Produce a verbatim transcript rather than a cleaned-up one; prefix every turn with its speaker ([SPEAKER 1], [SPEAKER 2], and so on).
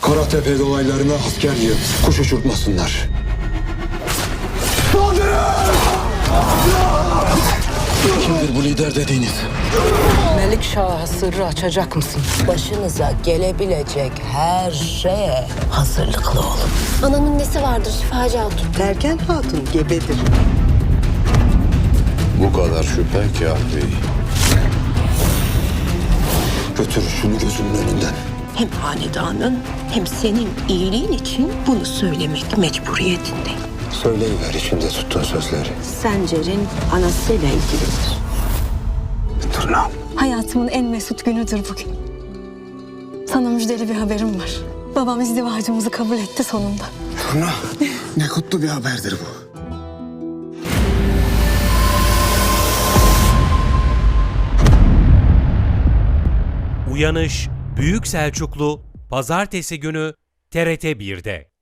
[SPEAKER 1] Karatepe dolaylarına asker yığıp kuş uçurtmasınlar. Kimdir bu lider dediğiniz?
[SPEAKER 2] Melikşah'a sırrı açacak mısın?
[SPEAKER 3] Başınıza gelebilecek her şeye hazırlıklı olun.
[SPEAKER 4] Ananın nesi vardır Şifacı Hatun?
[SPEAKER 3] Derken hatun gebedir.
[SPEAKER 5] Bu kadar şüphe kafi.
[SPEAKER 1] Götür şunu gözümün önünden.
[SPEAKER 3] Hem hanedanın hem senin iyiliğin için bunu söylemek mecburiyetindeyim.
[SPEAKER 1] Söyleyiver içinde tuttuğun sözleri.
[SPEAKER 3] Sencer'in anasıyla ilgilidir.
[SPEAKER 1] Tırnağım.
[SPEAKER 6] Hayatımın en mesut günüdür bugün. Sana müjdeli bir haberim var. Babam izdivacımızı kabul etti sonunda.
[SPEAKER 1] Turna. Ne kutlu bir haberdir bu.
[SPEAKER 7] Uyanış Büyük Selçuklu Pazartesi günü T R T bir'de.